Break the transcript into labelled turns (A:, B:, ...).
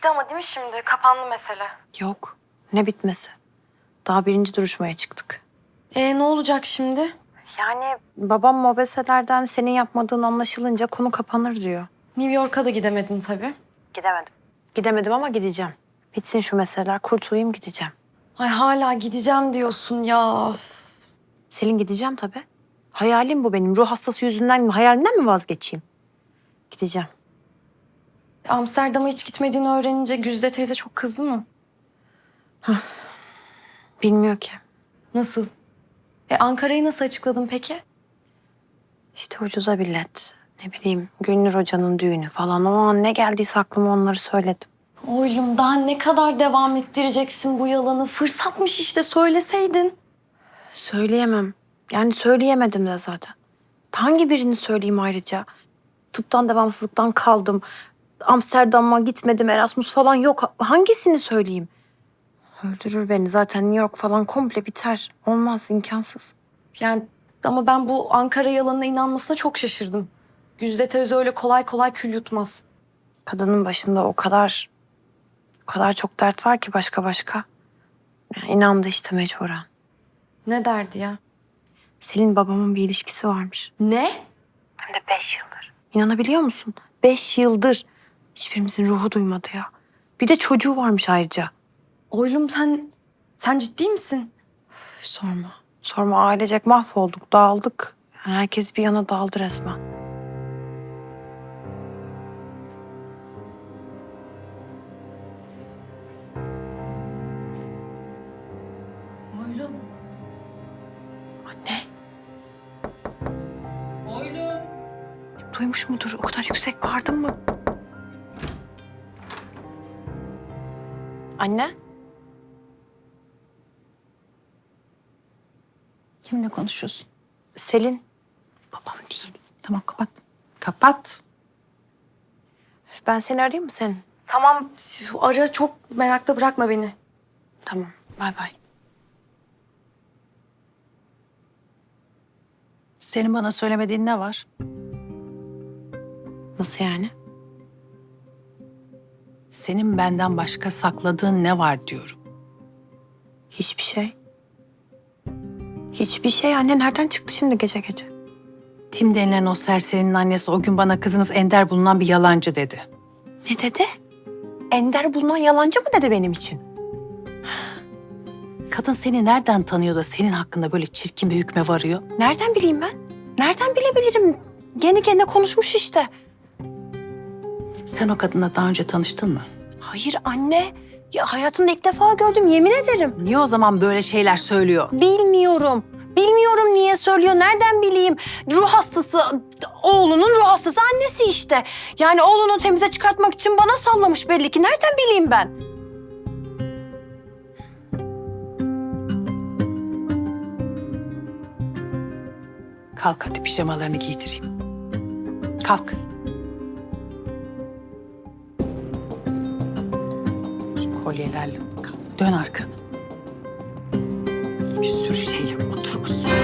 A: Bitti ama değil mi şimdi? Kapandı mesele.
B: Yok. Ne bitmesi? Daha birinci duruşmaya çıktık.
A: Ne olacak şimdi?
B: Yani babam mobeselerden senin yapmadığın anlaşılınca konu kapanır diyor.
A: New York'a da gidemedin tabii.
B: Gidemedim. Gidemedim ama gideceğim. Bitsin şu meseleler, kurtulayım gideceğim.
A: Ay hala gideceğim diyorsun ya. Üf.
B: Selin gideceğim tabii. Hayalim bu benim. Ruh hastası yüzünden mi, hayalimden mi vazgeçeyim? Gideceğim.
A: Amsterdam'a hiç gitmediğini öğrenince Güzde teyze çok kızdı mı?
B: Bilmiyor ki.
A: Nasıl? Ankara'yı nasıl açıkladın peki?
B: İşte ucuza bilet. Ne bileyim Gülnur Hoca'nın düğünü falan. O an ne geldiyse aklıma onları söyledim.
A: Oylum daha ne kadar devam ettireceksin bu yalanı? Fırsatmış işte söyleseydin.
B: Söyleyemem. Yani söyleyemedim de zaten. Hangi birini söyleyeyim ayrıca? Tıptan devamsızlıktan kaldım. Amsterdam'a gitmedim, Erasmus falan yok. Hangisini söyleyeyim? Öldürür beni zaten New York falan komple biter. Olmaz, imkansız.
A: Yani ama ben bu Ankara yalanına inanmasına çok şaşırdım. Güzde teyze öyle kolay kolay kül yutmaz.
B: Kadının başında o kadar çok dert var ki başka. Yani inandı işte mecburen.
A: Ne derdi ya?
B: Selin babamın bir ilişkisi varmış.
A: Ne?
B: Hem de 5 yıldır. İnanabiliyor musun? 5 yıldır. Hiçbirimizin ruhu duymadı ya. Bir de çocuğu varmış ayrıca.
A: Oylum sen ciddi misin?
B: Üf, sorma ailecek mahvolduk, dağıldık. Yani herkes bir yana daldı resmen.
A: Oylum.
B: Anne,
A: Oylum.
B: duymuş mudur? O kadar yüksek bağırdın mı? Anne?
C: Kiminle konuşuyorsun?
B: Selin. Babam değil.
C: Tamam kapat. Kapat.
B: Ben seni arayayım mı senin?
A: Tamam ara çok merakta bırakma beni.
B: Tamam, bay bay.
C: Senin bana söylemediğin ne var?
B: Nasıl yani?
C: Senin benden başka sakladığın ne var diyorum.
B: Hiçbir şey. Hiçbir şey anne. Nereden çıktı şimdi gece gece?
C: Tim denilen o serserinin annesi o gün bana kızınız Ender bulunan bir yalancı dedi.
B: Ne dedi? Ender bulunan yalancı mı dedi benim için?
C: Kadın seni nereden tanıyor da senin hakkında böyle çirkin bir hükme varıyor?
B: Nereden bileyim ben? Nereden bilebilirim? Kendi kendine konuşmuş işte.
C: Sen o kadınla daha önce tanıştın mı?
B: Hayır anne. Ya hayatımda ilk defa gördüm yemin ederim.
C: Niye o zaman böyle şeyler söylüyor?
B: Bilmiyorum. Bilmiyorum niye söylüyor. Nereden bileyim? Ruh hastası, oğlunun ruh hastası annesi işte. Yani oğlunu temize çıkartmak için bana sallamış belli ki. Nereden bileyim ben?
C: Kalk hadi pijamalarını giydireyim. Kalk. Şu kolyelerle kalk. Dön arkanı. Bir sürü şeyle oturmuşsun.